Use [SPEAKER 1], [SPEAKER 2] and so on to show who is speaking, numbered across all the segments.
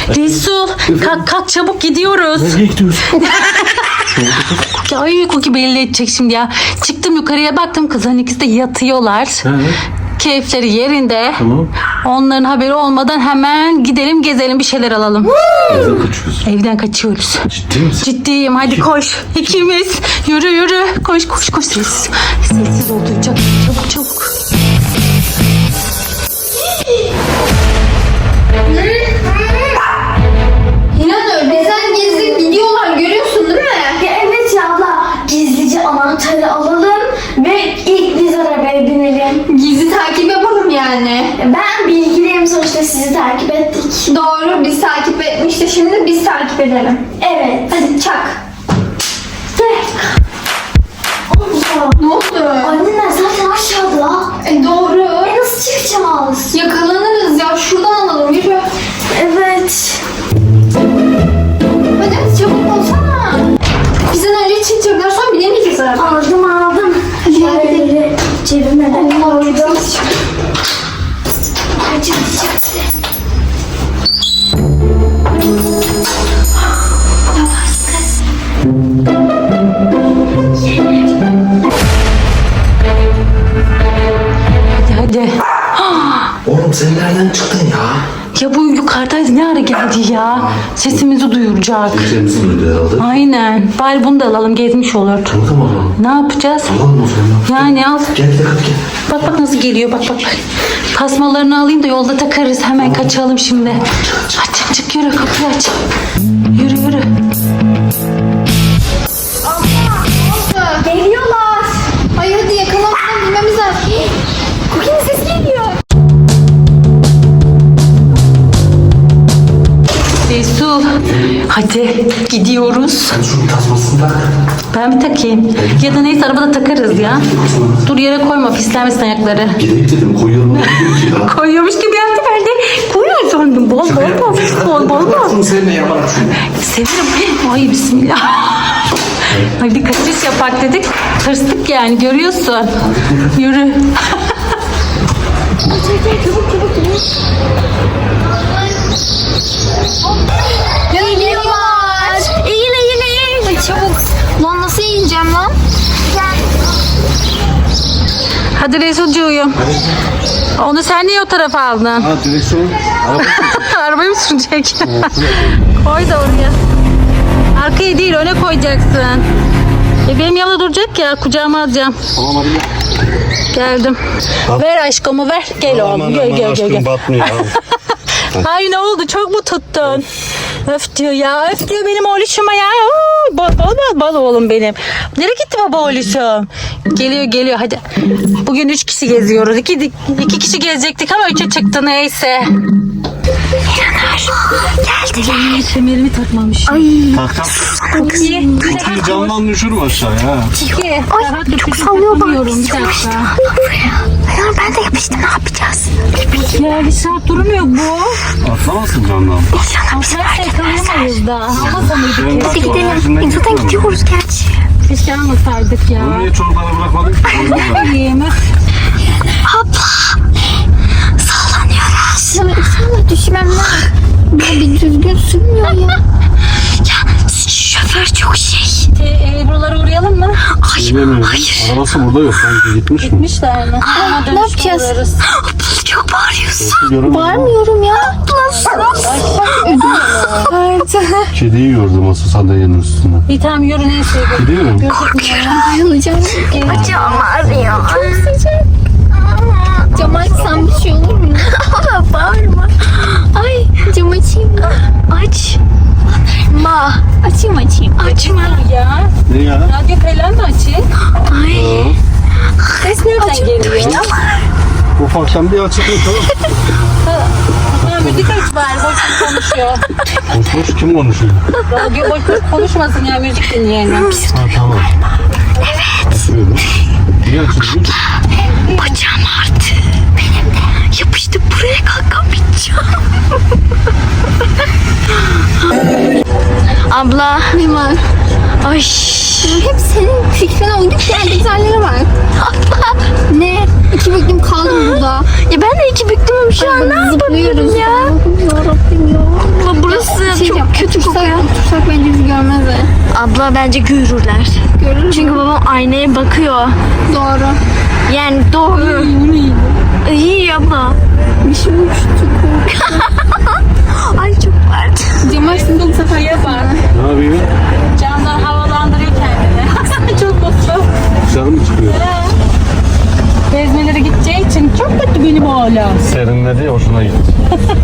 [SPEAKER 1] Resul kalk çabuk gidiyoruz.
[SPEAKER 2] Nereye gidiyorsun?
[SPEAKER 1] Ay Koki belli edecek şimdi ya. Çıktım yukarıya baktım kızların ikisi de yatıyorlar. Keyifleri yerinde.
[SPEAKER 2] Tamam.
[SPEAKER 1] Onların haberi olmadan hemen gidelim gezelim bir şeyler alalım.
[SPEAKER 2] Evden kaçıyoruz.
[SPEAKER 1] Evden kaçıyoruz.
[SPEAKER 2] Ciddi misin?
[SPEAKER 1] Ciddiyim hadi koş. İkimiz. Yürü. Koş. Sessiz ol duyacak. Çabuk.
[SPEAKER 3] İnanın önceden gezip gidiyorlar görüyorsun değil mi?
[SPEAKER 4] Ya evet ya abla. Gizlice anahtarı alalım ve ilk biz arabaya binelim.
[SPEAKER 3] Gizli takip yapalım yani.
[SPEAKER 4] Ben bilgiliyim sonuçta sizi takip ettik.
[SPEAKER 3] Doğru biz takip etmişti şimdi biz takip edelim.
[SPEAKER 4] Evet.
[SPEAKER 3] Hadi çak.
[SPEAKER 4] Gel. Allah.
[SPEAKER 3] Ne oldu?
[SPEAKER 4] Anneler zaten aşağıda.
[SPEAKER 3] Doğru.
[SPEAKER 4] Nasıl çıkacağız?
[SPEAKER 3] Yakalanırız ya şuradan alalım yürü.
[SPEAKER 4] Evet.
[SPEAKER 3] Hadi çabuk olsana. Bizden önce çıkacaklar sonra binemeyeceğiz araba.
[SPEAKER 4] Aldım.
[SPEAKER 3] Hadi gel gidelim.
[SPEAKER 4] Şöyle cebime de koydum. Yavaş kız.
[SPEAKER 1] Hadi.
[SPEAKER 2] Oğlum sen nereden çıktın ya?
[SPEAKER 1] Ya bu yukarıdaydı ne ara geldi ya? Sesimizi duyuracak.
[SPEAKER 2] Sesimizi duydu herhalde.
[SPEAKER 1] Aynen. Bari bunu da alalım gezmiş olur.
[SPEAKER 2] Tamam.
[SPEAKER 1] Ne yapacağız?
[SPEAKER 2] Alalım o zaman.
[SPEAKER 1] Yani al.
[SPEAKER 2] Gel hadi gel.
[SPEAKER 1] Bak nasıl geliyor bak. Tasmalarını alayım da yolda takarız. Hemen kaçalım şimdi. Aç çık yürü kapıyı aç. Yürü.
[SPEAKER 3] Geliyorlar. Ay hadi yakalanmadan bilmemiz lazım. Cookie'nin sesi geliyor.
[SPEAKER 1] Resul. Hadi gidiyoruz.
[SPEAKER 2] Sen şunun tasmasını tak.
[SPEAKER 1] Ben mi takayım? Ya da neyse arabada takarız ya. Dur yere koyma pislenmesin ayakları.
[SPEAKER 2] Gidelim dedim koyalım. Ne diyor ki ya?
[SPEAKER 1] Koyuyormuş gibi yaptı ben de. Koyuyor sandım. Bol.
[SPEAKER 2] Şunu seninle yaparım şunu.
[SPEAKER 1] Severim. Ay bismillah. Hadi kaçış yapak dedik. Tırstık yani görüyorsun. Yürü.
[SPEAKER 3] Geliyorlar. Eğil. Ay, çabuk. Lan nasıl eğileceğim lan?
[SPEAKER 1] Hadi Resulcuğum. Onu sen niye o tarafa aldın?
[SPEAKER 2] Ha direksiyon.
[SPEAKER 1] Arabayı mı sürecek? Koy da oraya. Arkaya değil öne koyacaksın. Benim yanımda duracak ya kucağıma alacağım.
[SPEAKER 2] Tamam hadi gel.
[SPEAKER 1] Geldim. Ver aşkımı ver. Gel oğlum. Gel.
[SPEAKER 2] Batmıyor abi.
[SPEAKER 1] Ay ne oldu çok mu tuttun? Öf diyor ya. Öf diyor benim oğluşuma ya. Bal oğlum benim. Nereye gitti baba oğluşum? Geliyor hadi. Bugün 3 kişi geziyoruz. 2 kişi gezecektik ama 3'e çıktı neyse. Geldi. Kemerimi takmamış.
[SPEAKER 2] Kutuyu camdan düşürme aşağıya.
[SPEAKER 1] Ay çok sallıyor bak. Bir dakika.
[SPEAKER 4] Ayağım ben de yapıştı ne yapacağız?
[SPEAKER 1] Ya bir saat durmuyor bu.
[SPEAKER 2] Atlamazsın camdan.
[SPEAKER 1] Atlarsa yakalayamayız da. Almasamaydık
[SPEAKER 4] Hadi
[SPEAKER 1] keşke.
[SPEAKER 4] gidelim. Zaten gidiyoruz gerçi.
[SPEAKER 1] Keşke almasaydık ya.
[SPEAKER 2] Bunu niye çocuklara bırakmadık?
[SPEAKER 1] Bileyim.
[SPEAKER 4] Sallanıyoruz.
[SPEAKER 3] Ya inşallah düşmem lan. Bir düzgün sürmüyor ya.
[SPEAKER 4] Şoför çok şey.
[SPEAKER 1] Buralara uğrayalım mı?
[SPEAKER 2] Bilmiyorum. Arabası burada yok. Sanki gitmiş mi?
[SPEAKER 1] Gitmişler mi?
[SPEAKER 3] Ne yapacağız?
[SPEAKER 4] Çok bağırıyorsun.
[SPEAKER 3] Bağırmıyorum ya.
[SPEAKER 2] Kediyi gördüm asıl sandalyenin üstünde.
[SPEAKER 1] İyi tamam yürü neyse.
[SPEAKER 2] Gidiyorum.
[SPEAKER 3] Bayılacağım.
[SPEAKER 4] Bacağım ağrıyor.
[SPEAKER 3] Çok sıcak. Cam açsam bir şey olur mu?
[SPEAKER 4] Ama bağırma.
[SPEAKER 3] Ay cam açayım mı?
[SPEAKER 4] Aç.
[SPEAKER 3] Açayım.
[SPEAKER 4] Açma.
[SPEAKER 1] Ya.
[SPEAKER 2] Ne ya?
[SPEAKER 1] Radyo falan da açayım.
[SPEAKER 4] Ay.
[SPEAKER 1] Ses nereden geliyor?
[SPEAKER 2] Ufaktan bir açıklık tamam.
[SPEAKER 1] Ha, müzik aç bari. Boş konuşuyor.
[SPEAKER 2] Boş kim konuşuyor?
[SPEAKER 1] Radyo boş konuşmasın ya müzik dinleyelim.
[SPEAKER 2] Ha tamam. Evet. Açıyorum. Niye açıyorsun?
[SPEAKER 4] Bacağım ağrıdı. Benim de. Yapıştı buraya kalkamayacağım. Abla.
[SPEAKER 3] Ne var?
[SPEAKER 4] Ay.
[SPEAKER 3] Hep senin fikrine uygun diğer detaylara bak.
[SPEAKER 4] Abla.
[SPEAKER 3] Ne? 2 büklüm kaldım burada.
[SPEAKER 4] Ya ben de iki büktüm şu an ne yapabilirim ya?
[SPEAKER 3] Yarabbim ya.
[SPEAKER 4] Abla burası
[SPEAKER 3] Otursak bence bizi görmezler.
[SPEAKER 4] Abla bence görürler.
[SPEAKER 3] Görür.
[SPEAKER 4] Çünkü babam aynaya bakıyor.
[SPEAKER 3] Doğru.
[SPEAKER 4] Yani doğru. İyi abla.
[SPEAKER 3] Bir şey olmuş. Çok
[SPEAKER 4] Ay çok pardon.
[SPEAKER 3] Cam açtığında bu sefer yapar.
[SPEAKER 2] Ne yapıyor?
[SPEAKER 1] Camdan havalandırıyor kendini. Çok mutlu.
[SPEAKER 2] Dışarı mı çıkıyor?
[SPEAKER 1] Gezmelere gideceği için çok mutlu benim oğlum.
[SPEAKER 2] Serinledi ya, hoşuna gitti.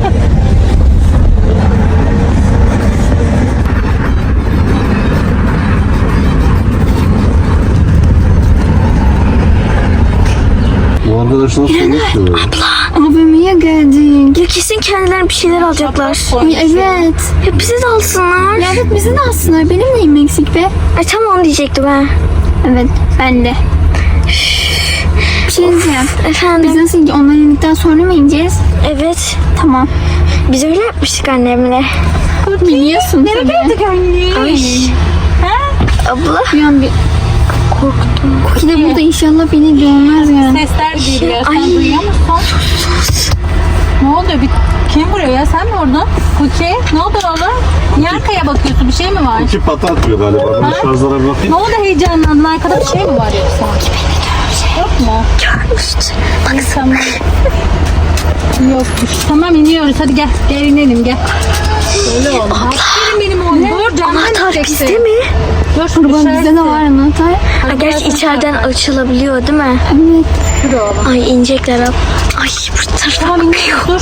[SPEAKER 2] Bu arkadaşlar sonuç diyor.
[SPEAKER 3] AVM'ye geldik.
[SPEAKER 4] Ya kesin kendilerine bir şeyler alacaklar.
[SPEAKER 3] Ay, evet.
[SPEAKER 4] Ya bizi de alsınlar.
[SPEAKER 3] Ya evet bizi de alsınlar. Benim neyim eksik be?
[SPEAKER 4] Ay tam onu diyecektim ben.
[SPEAKER 3] Evet ben de. Bir şey diyeceğim.
[SPEAKER 4] Efendim?
[SPEAKER 3] Biz nasıl onlar indikten sonra mı ineceğiz?
[SPEAKER 4] Evet.
[SPEAKER 3] Tamam.
[SPEAKER 4] Biz öyle yapmıştık annemle.
[SPEAKER 3] Biliyorsun tabii.
[SPEAKER 1] anne?
[SPEAKER 4] Ay. Abla.
[SPEAKER 3] Bir an bir korktum. Koki de burada inşallah beni görmez yani.
[SPEAKER 1] Sesler geliyor. Sen
[SPEAKER 4] Ay.
[SPEAKER 1] duyuyor musun? Ne oluyor? Kim vuruyor ya? Sen mi vurdun? Kuki. Ne oldu oğlum? Niye arkaya bakıyorsun? Bir şey mi var?
[SPEAKER 2] İki pata atıyor galiba. Ben şarjlara bir bakayım.
[SPEAKER 1] Ne oldu heyecanlandın? Arkada bir şey mi var yoksa? Yok mu?
[SPEAKER 4] Görmüştü.
[SPEAKER 1] Tamam. Yokmuş. Tamam iniyoruz. Hadi gel. Gel inelim gel. Öyle oldu. Aferin benim oğlum. Dur canım.
[SPEAKER 4] Anahtar bizde mi?
[SPEAKER 1] Dur şunu
[SPEAKER 3] Baba bizde de var anahtar.
[SPEAKER 4] Ha, gerçi içeriden açılabiliyor değil mi?
[SPEAKER 3] Evet.
[SPEAKER 1] Dur oğlum.
[SPEAKER 4] Ay inecekler ab. Ay bu tarafa
[SPEAKER 1] Tamam iniyoruz. Dur.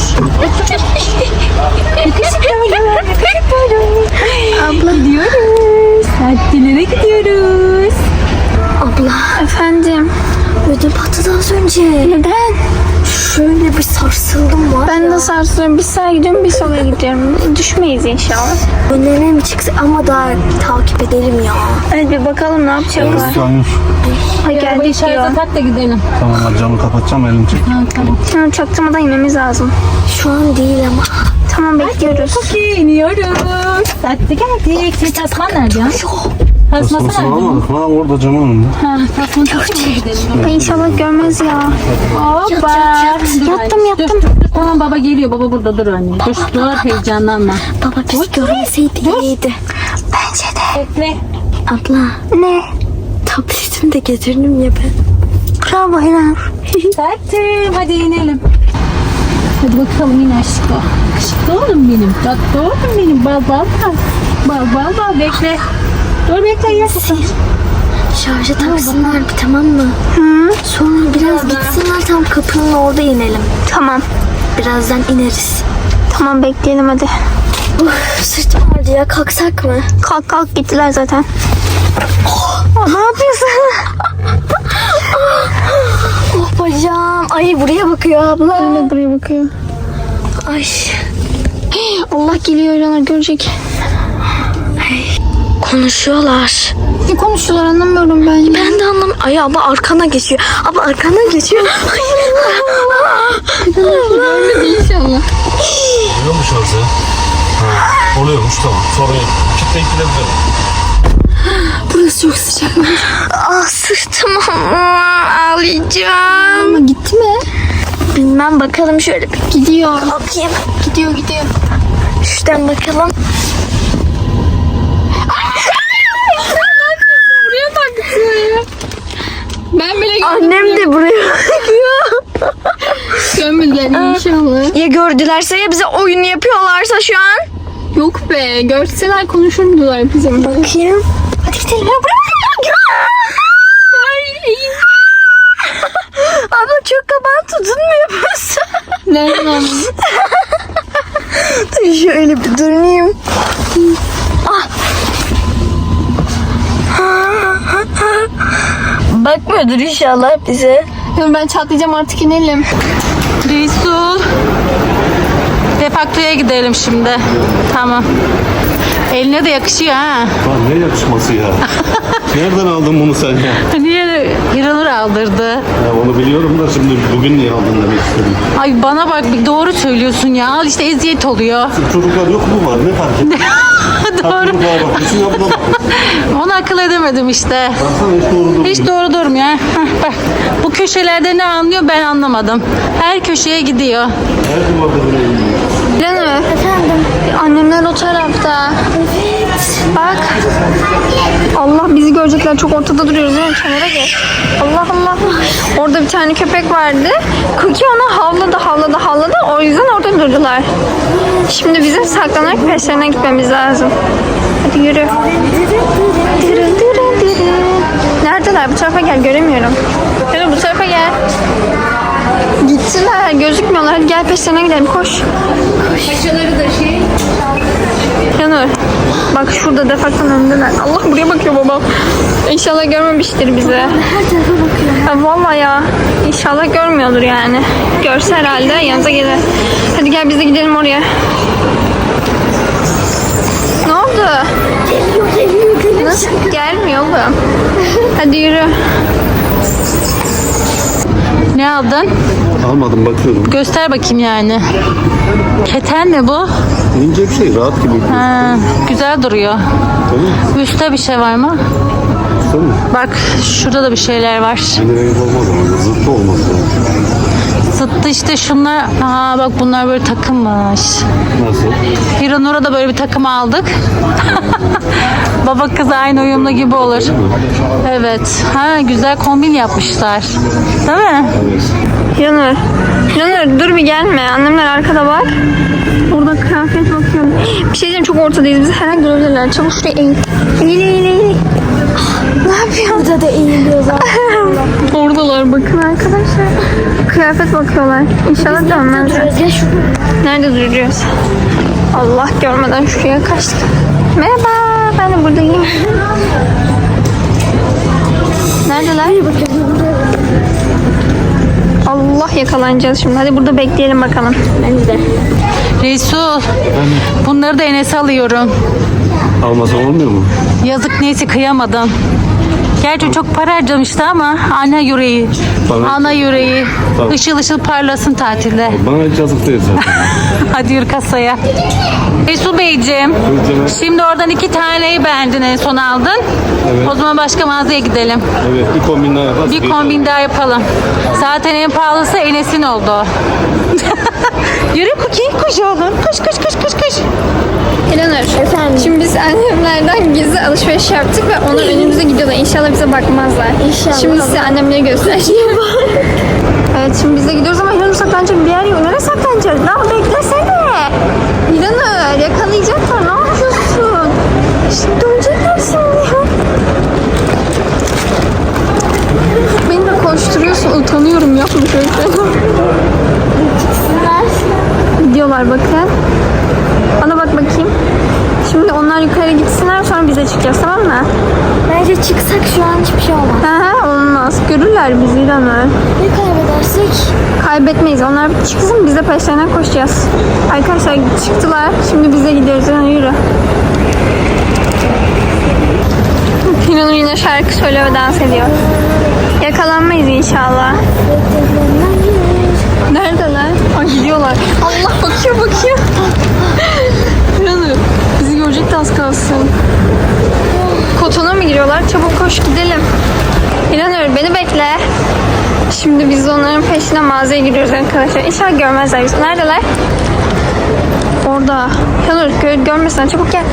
[SPEAKER 4] abla.
[SPEAKER 1] Gidiyoruz. Tatillere gidiyoruz.
[SPEAKER 4] Abla.
[SPEAKER 3] Efendim.
[SPEAKER 4] Ödüm patladı az önce.
[SPEAKER 3] Neden?
[SPEAKER 4] Şöyle bir sarsıldım var
[SPEAKER 3] Ben de sarsılıyorum. Bir sağa gidiyorum bir sola gidiyorum. Düşmeyiz inşallah.
[SPEAKER 4] Önlerine mi çıksa ama daha takip edelim ya.
[SPEAKER 3] Hadi bir bakalım ne yapacaklar.
[SPEAKER 2] Yanlış.
[SPEAKER 3] Ay
[SPEAKER 1] Arabayı
[SPEAKER 3] geldik
[SPEAKER 1] şarja
[SPEAKER 3] diyor.
[SPEAKER 1] tak da gidelim.
[SPEAKER 2] Tamam, hadi camı kapatacağım, elini çek.
[SPEAKER 1] Ha, tamam.
[SPEAKER 3] Tamam çaktırmadan inmemiz lazım.
[SPEAKER 4] Şu an değil ama.
[SPEAKER 3] Tamam bekliyoruz.
[SPEAKER 1] Okey iniyoruz. Hadi geldik. Senin tasman nerede ya? Tasması
[SPEAKER 2] Tasmasını
[SPEAKER 1] nerede?
[SPEAKER 2] almadık. Ha, orada camın önünde.
[SPEAKER 1] Ha, tasmanı takmaya gidelim.
[SPEAKER 3] Ay inşallah görmez ya.
[SPEAKER 1] Hoppa.
[SPEAKER 3] Yattım, yattım.
[SPEAKER 1] Dur. Tamam baba geliyor. Baba burada dur anne. Dur heyecanlanma.
[SPEAKER 4] Baba bizi görmeseydi iyiydi. Bence de.
[SPEAKER 1] Bekle.
[SPEAKER 4] Abla.
[SPEAKER 3] Ne?
[SPEAKER 4] Tabletimi de getirdim ya ben.
[SPEAKER 3] Bravo Helal.
[SPEAKER 1] Tatlım hadi inelim. Hadi bakalım in aşkım. Aşkım oğlum benim. Tatlı oğlum benim. Bal. Bekle. Dur bekle ya.
[SPEAKER 4] Şarja taksınlar bir, tamam mı?
[SPEAKER 3] Hı?
[SPEAKER 4] Sonra biraz gitsinler, tam kapının orada inelim.
[SPEAKER 3] Tamam.
[SPEAKER 4] Birazdan ineriz.
[SPEAKER 3] Tamam bekleyelim hadi.
[SPEAKER 4] Sırtım ağrıdı ya, kalksak mı?
[SPEAKER 3] Kalk kalk gittiler zaten. Ne yapıyorsun?
[SPEAKER 4] Oh bacağım. Ay buraya bakıyor abla.
[SPEAKER 3] Öyle buraya bakıyor.
[SPEAKER 4] Ay.
[SPEAKER 3] Allah geliyor onlar görecek.
[SPEAKER 4] Konuşuyorlar.
[SPEAKER 3] Ne konuşuyorlar anlamıyorum ben.
[SPEAKER 4] Ben de anlamıyorum. Ay abla arkana geçiyor. Abla arkana geçiyor.
[SPEAKER 3] Görmedi inşallah.
[SPEAKER 2] Oluyormuş orada. Ha, oluyormuş, tamam. Sonra kitleyip gidebilirim.
[SPEAKER 3] Burası çok sıcak.
[SPEAKER 4] Ah sırtım ağlayacağım.
[SPEAKER 3] Ama gitti mi?
[SPEAKER 4] Bilmem, bakalım şöyle bir
[SPEAKER 3] Gidiyor.
[SPEAKER 4] bakayım.
[SPEAKER 3] Gidiyor.
[SPEAKER 4] Şuradan bakalım.
[SPEAKER 3] Buraya taktı. Ben bile
[SPEAKER 4] Annem de buraya bakıyor.
[SPEAKER 3] görmediler inşallah.
[SPEAKER 4] Ya gördülerse, ya bize oyun yapıyorlarsa şu an.
[SPEAKER 3] Yok be görseler konuşurdular bizim.
[SPEAKER 4] Bakayım. Hadi gidelim. Ya buraya. Abla çok kaban tutunmuyor musun?
[SPEAKER 3] Nereden anladın?
[SPEAKER 4] Dur şöyle bir durayım. Ah. Bakmıyordur inşallah bize.
[SPEAKER 3] Ben çatlayacağım artık inelim.
[SPEAKER 1] Resul. Defaktoya gidelim şimdi. Tamam. Eline de yakışıyor ha.
[SPEAKER 2] Lan ne yakışması ya? Nereden aldın bunu sen ya?
[SPEAKER 1] Niye İranur aldırdı?
[SPEAKER 2] Ya onu biliyorum da şimdi bugün niye aldın demek istedim.
[SPEAKER 1] Ay bana bak, bir doğru söylüyorsun ya. Al işte eziyet oluyor.
[SPEAKER 2] Çocuklar yok mu var? Ne fark etti?
[SPEAKER 1] Doğru.
[SPEAKER 2] Çocuklara bak. Bütün yapıda bak.
[SPEAKER 1] Onu akıl edemedim işte.
[SPEAKER 2] Baksana hiç doğru durmuyor.
[SPEAKER 1] Hiç doğru durmuyor. Heh, bak. Bu köşelerde ne anlıyor ben anlamadım. Her köşeye gidiyor.
[SPEAKER 2] Her duvarda böyle iniyor.
[SPEAKER 3] Canım.
[SPEAKER 4] Efendim
[SPEAKER 3] göremedim.
[SPEAKER 5] Annemler o tarafta.
[SPEAKER 3] Evet.
[SPEAKER 5] Bak. Allah bizi görecekler. Çok ortada duruyoruz değil mi? Kenara geç. Allah Allah. Orada bir tane köpek vardı. Cookie ona havladı. O yüzden orada durdular. Şimdi bizim saklanarak peşlerine gitmemiz lazım. Hadi yürü. Neredeler? Bu tarafa gel. Göremiyorum. Yürü bu tarafa gel. Gittiler. Gözükmüyorlar. Hadi gel peşlerine gidelim. Koş.
[SPEAKER 1] Paçaları da şey.
[SPEAKER 5] Yanur. Bak şurada defaktan önündeler. Allah buraya bakıyor babam. İnşallah görmemiştir bizi.
[SPEAKER 3] Her tarafa bakıyor.
[SPEAKER 5] Ya vallahi ya. İnşallah görmüyordur yani. Görse herhalde yanımıza gelir. Hadi gel biz de gidelim oraya. Ne oldu?
[SPEAKER 3] Geliyor.
[SPEAKER 5] Nasıl gelmiyor oğlum? Hadi yürü.
[SPEAKER 1] Ne aldın?
[SPEAKER 2] Almadım, bakıyorum.
[SPEAKER 1] Göster bakayım yani. Keten mi bu?
[SPEAKER 2] İnce bir şey, rahat gibi.
[SPEAKER 1] Ha, güzel duruyor.
[SPEAKER 2] Tamam.
[SPEAKER 1] Üstte bir şey var mı?
[SPEAKER 2] Tamam.
[SPEAKER 1] Bak şurada da bir şeyler var.
[SPEAKER 2] Yine renk olmaz ama zıttı olmaz.
[SPEAKER 1] Zıttı işte şunlar. Aa bak bunlar böyle takımmış.
[SPEAKER 2] Nasıl?
[SPEAKER 1] Hiranur'a da böyle bir takım aldık. Baba kız aynı uyumlu gibi olur. Evet. Ha güzel kombin yapmışlar. Değil mi?
[SPEAKER 2] Evet.
[SPEAKER 5] Yanur dur bir gelme. Annemler arkada bak. Orada kıyafet bakıyorum. Bir şey diyeceğim, çok ortadayız. Bizi her an görebilirler. Çabuk şuraya eğil. Eğil. Ne yapıyorsun?
[SPEAKER 3] Burada da eğiliyor zaten.
[SPEAKER 5] Oradalar bakın arkadaşlar. Kıyafet bakıyorlar. İnşallah dönmezler.
[SPEAKER 3] Ya şu
[SPEAKER 5] Nerede duruyoruz? Allah görmeden şuraya kaçtık. Merhaba, ben de buradayım. Neredeler? Allah yakalanacağız şimdi. Hadi burada bekleyelim bakalım.
[SPEAKER 1] Resul. Bunları da Enes'e alıyorum.
[SPEAKER 2] Almasa olmuyor mu?
[SPEAKER 1] Yazık neyse kıyamadım. Gerçi çok para harcamıştı ama ana yüreği.
[SPEAKER 2] Bana-
[SPEAKER 1] Ana yüreği.
[SPEAKER 2] Tamam.
[SPEAKER 1] Işıl ışıl parlasın tatilde.
[SPEAKER 2] Bana hiç yazık değil zaten.
[SPEAKER 1] Hadi yürü kasaya. Resul Beyciğim.
[SPEAKER 2] Buyur canım.
[SPEAKER 1] Şimdi oradan 2 taneyi beğendin en son aldın.
[SPEAKER 2] Evet.
[SPEAKER 1] O zaman başka mağazaya gidelim.
[SPEAKER 2] Evet, bir kombin daha yaparız.
[SPEAKER 1] Bir kombin daha yapalım. Zaten en pahalısı Enes'in oldu. Yürü Cookie, koş oğlum. Koş.
[SPEAKER 5] Eleanor. Efendim? Şimdi biz annemlerden gizli alışveriş yaptık ve onlar önümüze gidiyorlar. İnşallah bize bakmazlar.
[SPEAKER 3] İnşallah.
[SPEAKER 5] Şimdi size annemleri göstereceğim. Evet şimdi biz de gidiyoruz ama Eleanor saklanacak bir yer yok. Nereye saklanacağız? Lan beklesene. Eleanor yakalayacaklar. Ne yapıyorsun? Şimdi dönecekler şimdi ya. Beni de koşturuyorsun. Utanıyorum yapma şöyle. Gidiyorlar bakın. Bana bak bakayım. Şimdi onlar yukarı gitsinler sonra bize çıkacağız, tamam mı?
[SPEAKER 3] bence çıksak şu an hiçbir şey olmaz.
[SPEAKER 5] He olmaz. Görürler bizi İranur.
[SPEAKER 3] Ne kaybedersek?
[SPEAKER 5] Kaybetmeyiz. Onlar bir çıksın biz de peşlerine koşacağız. Arkadaşlar çıktılar. Şimdi biz de gidiyoruz. Yani yürü. İranur yine şarkı söylüyor ve dans ediyor. Yakalanmayız inşallah. Neredeler? Ay gidiyorlar. Allah bakıyor. İranur bizi görecek de az kalsın. Kotona mı giriyorlar? Çabuk koş gidelim. İranur beni bekle. Şimdi biz onların peşine mağazaya giriyoruz arkadaşlar. İnşallah görmezler bizi. Neredeler? Orada. İranur görmesinler. Çabuk gel.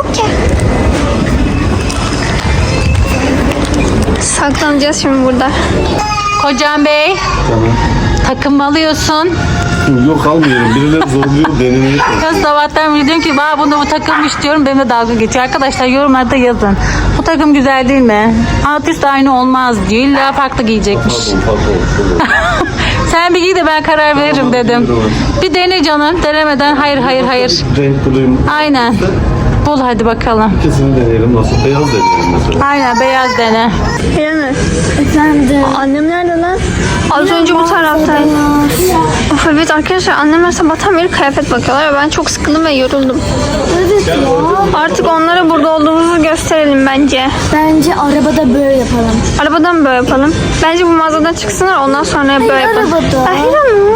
[SPEAKER 5] Saklanacağız şimdi burada.
[SPEAKER 1] Kocam Bey,
[SPEAKER 2] Tamam.
[SPEAKER 1] takım mı alıyorsun?
[SPEAKER 2] Yok almıyorum. Birileri zorluyor deneni.
[SPEAKER 1] Kız sabahtan beri diyorum ki bunda bu takımmış diyorum. Benimle dalga geçiyor. Arkadaşlar yorumlarda yazın. Bu takım güzel değil mi? Alt üst aynı olmaz diyor. İlla farklı giyecekmiş.
[SPEAKER 2] Pardon.
[SPEAKER 1] Sen bir giy de ben karar veririm dedim. Bir dene canım. Denemeden hayır.
[SPEAKER 2] Renk bulayım.
[SPEAKER 1] Aynen. Bul hadi bakalım.
[SPEAKER 2] İkisini deneyelim. Nasıl? Beyaz deneyelim mesela.
[SPEAKER 1] Aynen beyaz dene.
[SPEAKER 5] İranur.
[SPEAKER 3] Efendim.
[SPEAKER 5] Annem nerede lan? Az önce bu taraftaydı. Of evet arkadaşlar annemler sabahtan beri kıyafet bakıyorlar ve ben çok sıkıldım ve yoruldum.
[SPEAKER 3] Evet ya.
[SPEAKER 5] Artık onlara burada olduğumuzu gösterelim bence.
[SPEAKER 3] Bence arabada böyle yapalım.
[SPEAKER 5] Arabadan böyle yapalım. Bence bu mağazadan çıksınlar ondan sonra böyle yapalım.
[SPEAKER 3] arabada.
[SPEAKER 5] Ay İranur.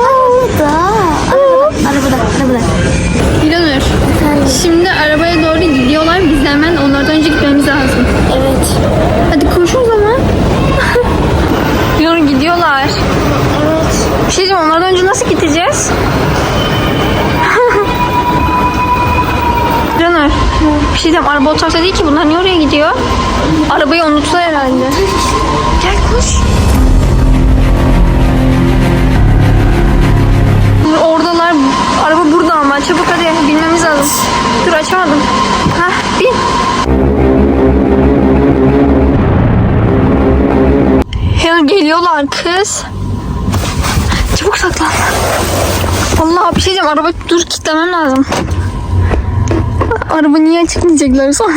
[SPEAKER 3] Arabada.
[SPEAKER 5] İranur. Şimdi arabaya doğru gidiyorlar. Biz de hemen onlardan önce gitmemiz lazım.
[SPEAKER 3] Evet.
[SPEAKER 5] Hadi koş o zaman. İranur gidiyorlar.
[SPEAKER 3] Evet.
[SPEAKER 5] Bir şey diyeceğim onlardan önce nasıl gideceğiz? Bir şey diyeyim, araba o tarafta değil ki. Bunlar niye oraya gidiyor? Arabayı unuttular herhalde. Gel koş. Oradalar. Araba burada ama. Çabuk hadi binmemiz lazım. Dur açamadım. Hah bin. Ya geliyorlar kız. Çabuk saklan. Allah bir şey diyeceğim. Araba dur kilitlemem lazım. Araba niye çıkmayacaklar sonra?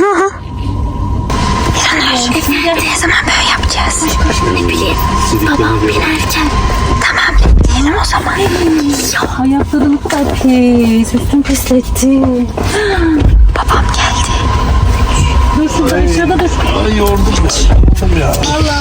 [SPEAKER 5] Ne zaman böyle yapacağız? Ne bileyim. Babam binerken. Tamam bekleyelim o zaman.
[SPEAKER 1] Ayakları ne kadar pis. Üstüm pisletti.
[SPEAKER 5] Babam geldi.
[SPEAKER 1] Dur şurada aşağıda dur.
[SPEAKER 2] Ay yordum ya.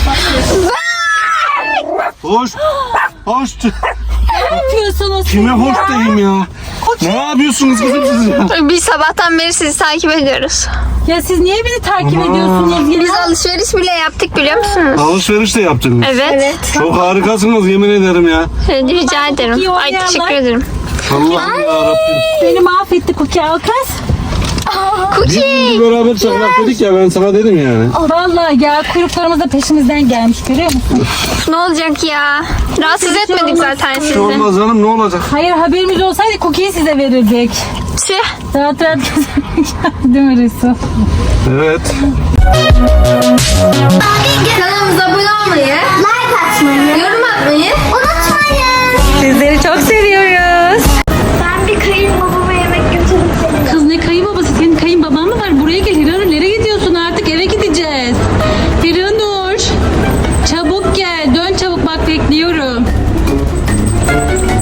[SPEAKER 2] Hoş. Hoş.
[SPEAKER 1] Ne yapıyorsunuz?
[SPEAKER 2] Kime hoş diyeyim ya? Ne yapıyorsunuz kızım siz ya?
[SPEAKER 5] Biz sabahtan beri sizi takip ediyoruz.
[SPEAKER 1] Ya siz niye beni takip ediyorsunuz? Ya?
[SPEAKER 5] Biz alışveriş bile yaptık biliyor musunuz?
[SPEAKER 2] Alışveriş de yaptınız.
[SPEAKER 5] Evet.
[SPEAKER 2] Çok harikasınız yemin ederim ya.
[SPEAKER 5] Rica ederim.
[SPEAKER 1] iyi
[SPEAKER 5] Ay
[SPEAKER 1] oynayanlar.
[SPEAKER 5] teşekkür ederim.
[SPEAKER 2] Allah'ım yarabbim.
[SPEAKER 1] Beni mahvetti Cookie al kız.
[SPEAKER 5] Cookie.
[SPEAKER 2] Beraber çaklak dedik ya ben sana dedim yani.
[SPEAKER 1] Vallahi ya kuyruklarımız da peşimizden gelmiş görüyor musun?
[SPEAKER 5] Ne olacak ya? Rahatsız etmedik zaten
[SPEAKER 2] Bir
[SPEAKER 5] sizi.
[SPEAKER 2] şey olmaz canım ne olacak?
[SPEAKER 1] Hayır haberimiz olsaydı Cookie'yi size verirdik.
[SPEAKER 5] Tüh.
[SPEAKER 1] Rahat rahat değil mi Resul?
[SPEAKER 2] Evet.
[SPEAKER 5] Kanalımıza abone olmayı,
[SPEAKER 3] Like atmayı
[SPEAKER 5] yorum atmayı.
[SPEAKER 3] unutmayın.
[SPEAKER 1] Sizleri çok seviyoruz.
[SPEAKER 3] Ben bir kayınbabama yemek götürüp seni.
[SPEAKER 1] Kız ne kayınbabası? Senin kayınbaban mı var? Buraya gel Hiranur. Nereye gidiyorsun artık? Eve gideceğiz. Hiranur. Çabuk gel. Dön çabuk bak bekliyorum.